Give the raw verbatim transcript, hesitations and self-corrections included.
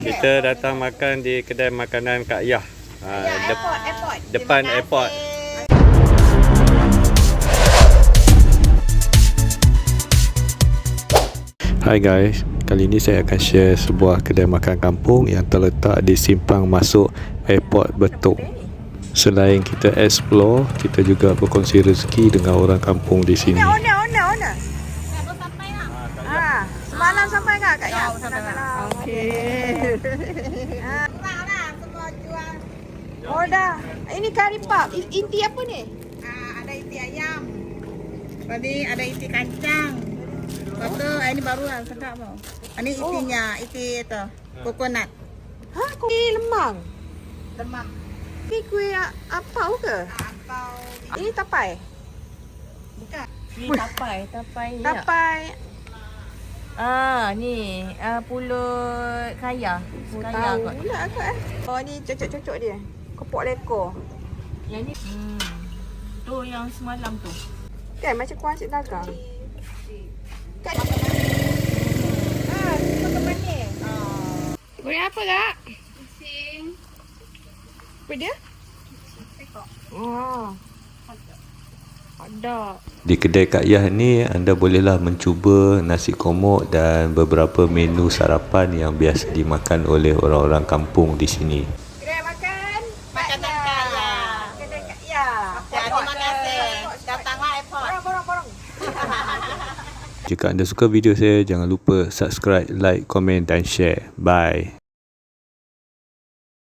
Kita datang makan di kedai makanan Kak Yah. Ha, dep Airport, airport. depan Terima airport. kasih. Hai guys, kali ini saya akan share sebuah kedai makan kampung yang terletak di simpang masuk airport Betung. Selain kita explore, kita juga berkongsi rezeki dengan orang kampung di sini. Owner, owner, owner. Ah, semalam sampai kak Kak Ya? Okey. Ah, lah semua jual. Oh dah. Ini kari pap. I- Inti apa ni? Ah, ada isi ayam. Tadi ada isi kacang. Lepas tu ah, ini baru lah sedap mau. Ini isinya, isi itu coconut. Ha, kuih lemang. Lemak Ni kuih a- apau ke? atau Ini tapai. bukan. Ni tapai, tapai ni. tak? Tapai. Ah, ni ah, pulut kaya. Kaya Tahu kot. pula akak eh. Oh ni cocok-cocok dia. Kepok lekor. Yang ni hmm. Tu yang semalam tu. Kan macam kuah nasi dagang. Kan? Ah, makan manis. Goreng apa kak? Apa dia? Oh. Ada. Di kedai Kak Yah ni, anda bolehlah mencuba nasi komok dan beberapa menu sarapan yang biasa dimakan oleh orang-orang kampung di sini. Kedai makan. Makanan kaya. Kedai Kak Ya. Terima kasih. Datanglah airport. Borong, borong, borong. Jika anda suka video saya, jangan lupa subscribe, like, komen dan share. Bye.